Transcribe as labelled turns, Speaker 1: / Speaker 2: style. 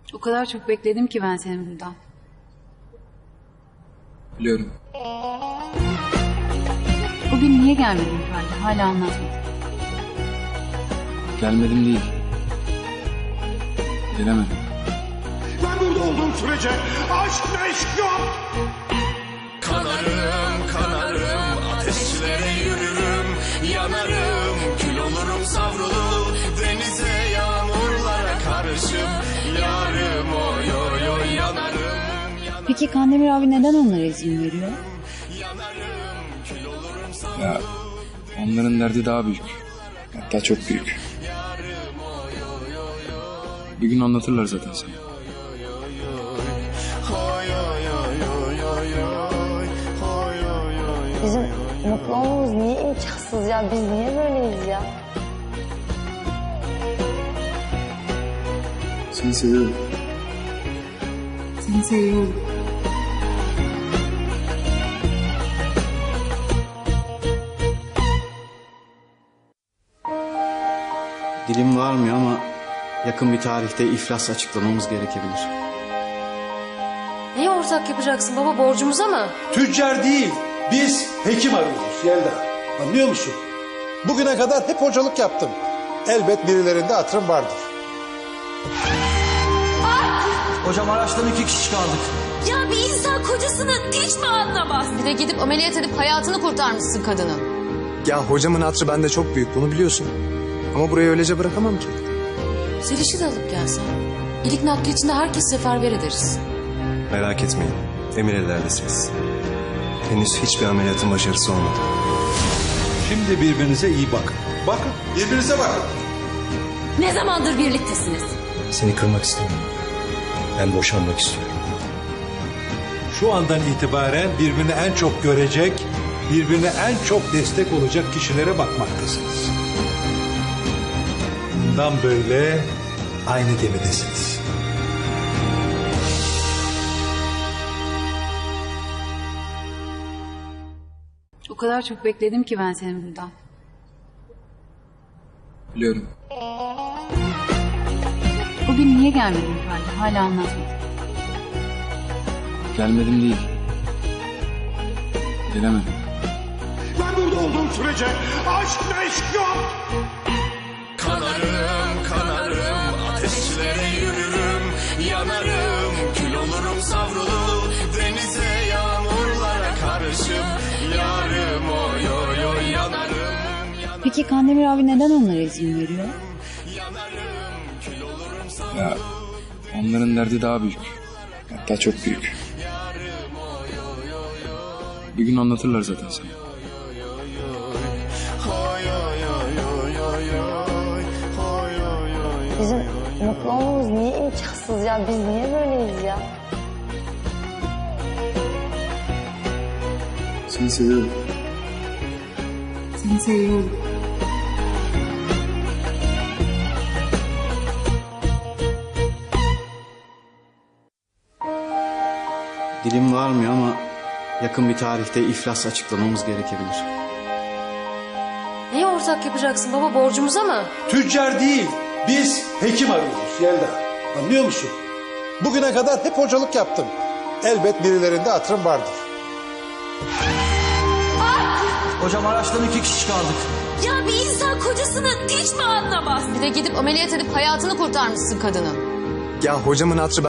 Speaker 1: O kadar çok bekledim ki ben seni burada.
Speaker 2: Biliyorum.
Speaker 1: Bugün niye gelmedin Ferdi? Hala anlatmadın.
Speaker 2: Gelmedim değil. Gelemedim.
Speaker 3: Ben burada olduğum sürece aşk meşk yok.
Speaker 4: Kanarım, kanarım, ateşlere yürürüm, yanarım, kül olurum savrulur, denize yağmurlara karışıp, yarım oy oy oy yanarım.
Speaker 1: Peki Kandemir abi neden onlara izin veriyor?
Speaker 2: Ya onların derdi daha büyük. Hatta çok büyük. Bir gün anlatırlar zaten sana.
Speaker 5: Bizim mutlu olmamız niye imkansız ya? Biz niye böyleyiz ya?
Speaker 2: Seni seviyorum.
Speaker 1: Seni seviyorum.
Speaker 6: Dilim varmıyor ama yakın bir tarihte iflas açıklamamız gerekebilir.
Speaker 7: Neyi ortak yapacaksın baba, borcumuza mı?
Speaker 8: Tüccar değil, biz hekim arıyoruz Yelda. Anlıyor musun? Bugüne kadar hep hocalık yaptım. Elbet birilerinde hatırım vardır.
Speaker 9: Hocam araçtan 2 kişi kaldık.
Speaker 7: Ya bir insan kocasını hiç mi anlamaz? Bir de gidip ameliyat edip hayatını kurtarmışsın kadının.
Speaker 10: Ya hocamın hatırı bende çok büyük, bunu biliyorsun. Ama burayı öylece bırakamam ki.
Speaker 7: Zeliş'i de alıp gelsen. İlik nakli içinde herkes seferber ederiz.
Speaker 10: Merak etmeyin, emin ellerdesiniz. Henüz hiçbir ameliyatın başarısı olmadı.
Speaker 8: Şimdi birbirinize iyi bakın. Bakın, birbirinize bakın.
Speaker 7: Ne zamandır birliktesiniz?
Speaker 10: Seni kırmak istemiyorum. Ben boşanmak istiyorum.
Speaker 8: Şu andan itibaren birbirini en çok görecek, birbirine en çok destek olacak kişilere bakmaktasınız. Bundan böyle aynı gemidesiniz.
Speaker 1: O kadar çok bekledim ki ben seni burada.
Speaker 2: Biliyorum.
Speaker 1: Bugün niye gelmedin Ferdi? Hala anlatmadın.
Speaker 2: Gelmedim değil. Gelemedim.
Speaker 3: Ben burada olduğum sürece aşk meşk yok.
Speaker 4: Kanarım, kanarım, ateşlere yürürüm, yanarım, kül olurum savrulur, denize yağmurlara karışıp, yarım oy oy oy yanarım.
Speaker 1: Peki Kandemir abi neden onlara izin veriyor?
Speaker 2: Ya onların derdi daha büyük. Hatta çok büyük. Bir gün anlatırlar zaten sana.
Speaker 5: Bizim mutlu olmamız niye imkansız ya? Biz niye böyleyiz ya?
Speaker 2: Seni seviyorum.
Speaker 1: Seni seviyorum.
Speaker 6: Dilim varmıyor ama yakın bir tarihte iflas açıklamamız gerekebilir.
Speaker 7: Neyi ortak yapacaksın baba, borcumuza mı?
Speaker 8: Tüccar değil, biz hekim arıyoruz Yelda. Anlıyor musun? Bugüne kadar hep hocalık yaptım. Elbet birilerinde hatırım vardır.
Speaker 9: Hocam araçtan 2 kişi kaldık.
Speaker 7: Ya bir insan kocasını hiç mi anlamaz? Bir de gidip ameliyat edip hayatını kurtarmışsın kadının.
Speaker 10: Ya hocamın hatırı